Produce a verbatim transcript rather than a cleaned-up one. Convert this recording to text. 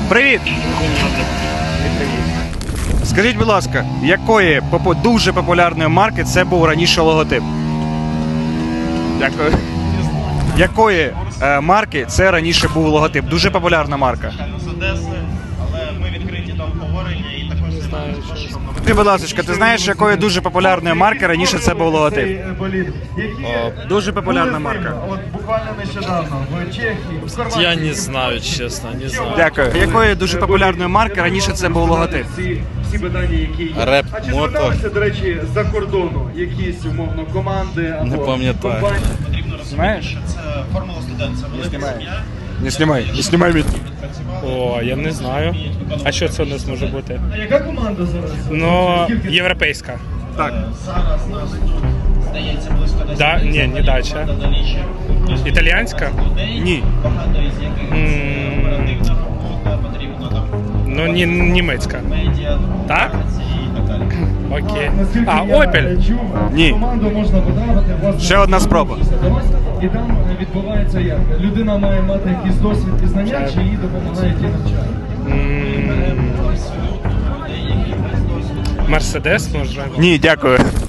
Привіт! Скажіть, будь ласка, якої попу- дуже популярної марки це був раніше логотип? Дякую. Якої е, марки це раніше був логотип? Дуже популярна марка. З Одеси, але ми відкриті до обговорення і також займаємося. Ти, будь ласка, ти знаєш, якої дуже популярної марки раніше це був логотип? Дуже популярна марка. От буквально нещодавно в Чехії, в Хорватії. Я не знаю, честно, не знаю. Дякую. Якої дуже популярної марки раніше це був логотип? Всі, всі питання, які є. Реп, А чи мото. зверталися, до речі, з-за кордону якісь, умовно, команди або Не пам'ятаю. компанії? Потрібно розуміти, Знаєш? що це формула студент, це велика сім'я. Не знімай, не знімай мені. О, я не знаю. А що це у нас може бути? А яка команда зараз? Ну, Скільки? європейська. Так. Зараз нас тут, здається, близько десять. Да, ні, не дача. Італіянська? Ні. Багато із яких це оперативна робота, потрібно там Ну, ні, німецька. медіа, Так? і так далі. Окей. Наскільки А, я Opel? чув, Ні. команду можна потрапити, власне, Ще одна спроба. до вас, і там відбувається як? Людина має мати якийсь досвід і знання, чи їй допомагають і навчають? Мерседес, може? Ні, дякую.